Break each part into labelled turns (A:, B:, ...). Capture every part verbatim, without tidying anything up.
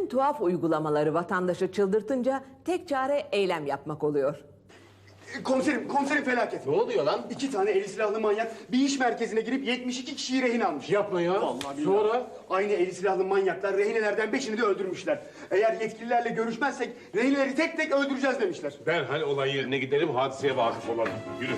A: tuhaf uygulamaları vatandaşı çıldırtınca tek çare eylem yapmak oluyor.
B: Komiserim, komiserim felaket.
C: Ne oluyor lan?
B: İki tane eli silahlı manyak bir iş merkezine girip yetmiş iki kişiyi rehin almış.
C: Yapma ya.
B: Vallahi billahi.
C: Sonra?
B: Aynı eli silahlı manyaklar rehinelerden beşini de öldürmüşler. Eğer yetkililerle görüşmezsek rehineleri tek tek öldüreceğiz demişler.
C: Derhal olay yerine gidelim, hadiseye vakıf olalım. Yürü.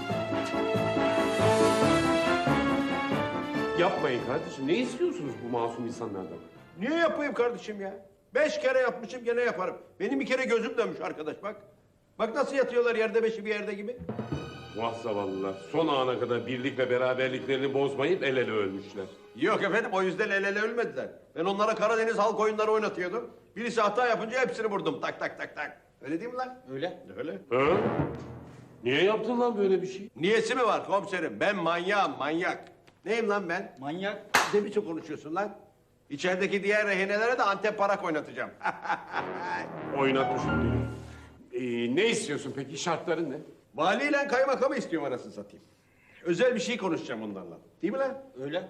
C: Yapmayın kardeşim. Ne istiyorsunuz bu masum insanlardan?
D: Niye yapayım kardeşim ya? Beş kere yapmışım gene yaparım. Benim bir kere gözüm dönmüş arkadaş bak. Bak nasıl yatıyorlar yerde beşi bir yerde gibi.
C: Vah zavallılar. Son ana kadar birlik ve beraberliklerini bozmayıp el ele ölmüşler.
D: Yok efendim o yüzden el ele ölmediler. Ben onlara Karadeniz halk oyunları oynatıyordum. Birisi hata yapınca hepsini vurdum tak tak tak tak. Öyle değil mi lan? Öyle. Öyle.
C: Ha? Niye yaptın lan böyle bir şey?
D: Niyesi mi var komiserim? Ben manyağım manyak. Neyim lan ben?
E: Manyak.
D: Ne biçim konuşuyorsun lan? İçerideki diğer rehinelere de Antep parak oynatacağım.
C: Oynatmışım diyor. Ee, ne istiyorsun peki? Şartların ne?
D: Valiyle kaymakamı istiyorum arasını satayım. Özel bir şey konuşacağım onlarla. Değil mi lan?
E: Öyle.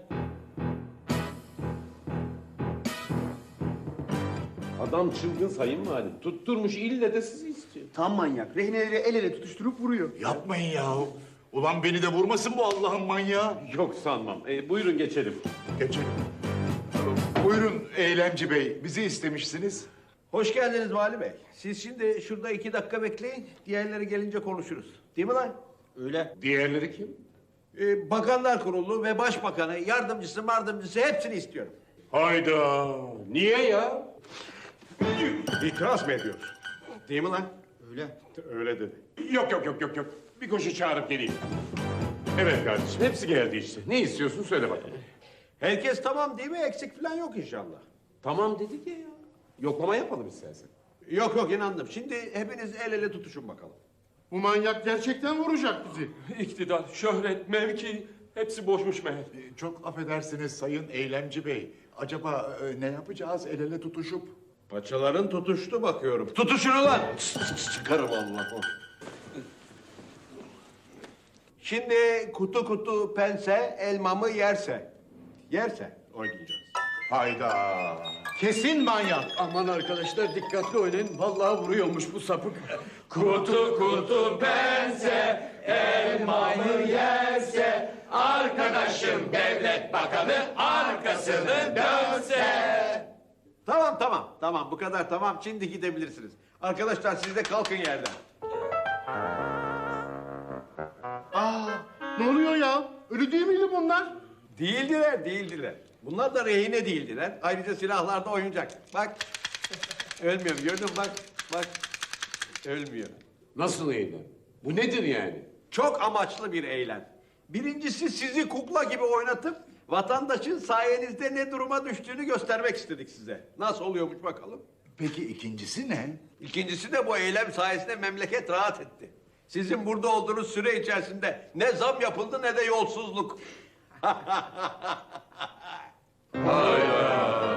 C: Adam çılgın sayın valim. Tutturmuş ille de sizi istiyor.
B: Tam manyak. Rehineleri el ele tutuşturup vuruyor.
F: Yapmayın yahu. Ulan beni de vurmasın bu Allah'ın manyağı.
C: Yok sanmam. Ee, buyurun geçelim.
F: Geçelim. Buyurun Eylemci Bey, bizi istemişsiniz.
D: Hoş geldiniz Vali Bey. Siz şimdi şurada iki dakika bekleyin. Diğerleri gelince konuşuruz. Değil mi lan?
E: Öyle.
C: Diğerleri kim?
D: Ee, Bakanlar Kurulu ve Başbakanı, yardımcısı, mardımcısı hepsini istiyorum.
C: Hayda. Niye ya?
D: İtiraz mı ediyoruz? Değil mi lan?
E: Öyle.
C: Öyle dedi. Yok yok yok yok yok. Bir koşu çağırıp geleyim. Evet kardeşim hepsi geldi işte. Ne istiyorsun söyle bakalım.
D: Herkes tamam değil mi? Eksik falan yok inşallah.
C: Tamam dedik ya ya. Yoklama yapalım istersen.
D: Yok yok inandım. Şimdi hepiniz el ele tutuşun bakalım.
F: Bu manyak gerçekten vuracak bizi.
G: İktidar, şöhret, mevki hepsi boşmuş meğer.
F: Ee, Çok affedersiniz Sayın Eylemci Bey. Acaba e, ne yapacağız el ele tutuşup?
D: Paçaların tutuştu bakıyorum. Tutuşun ulan! Çıkarım Allah. Şimdi kutu kutu pense elmamı yerse. Yerse oynayacağız.
F: Hayda. Kesin manyak.
B: Aman arkadaşlar dikkatli oynayın. Vallahi vuruyormuş bu sapık.
G: Kutu kutu pense, elmamı yerse, arkadaşım devlet bakanı arkasını dönse.
D: Tamam tamam tamam bu kadar tamam. Şimdi gidebilirsiniz. Arkadaşlar siz de kalkın yerden.
F: Aa, ne oluyor ya? Öyle değil miydi bunlar?
D: Değildiler değildiler. Bunlar da rehine değildiler. Ayrıca silahlarda oyuncak. Bak. Ölmüyor gördün mü? Bak. Bak. Ölmüyor.
C: Nasıl eylem? Bu nedir yani?
D: Çok amaçlı bir eylem. Birincisi sizi kukla gibi oynatıp vatandaşın sayenizde ne duruma düştüğünü göstermek istedik size. Nasıl oluyormuş bakalım.
F: Peki ikincisi ne?
D: İkincisi de bu eylem sayesinde memleket rahat etti. Sizin burada olduğunuz süre içerisinde ne zam yapıldı ne de yolsuzluk.
C: Hayda.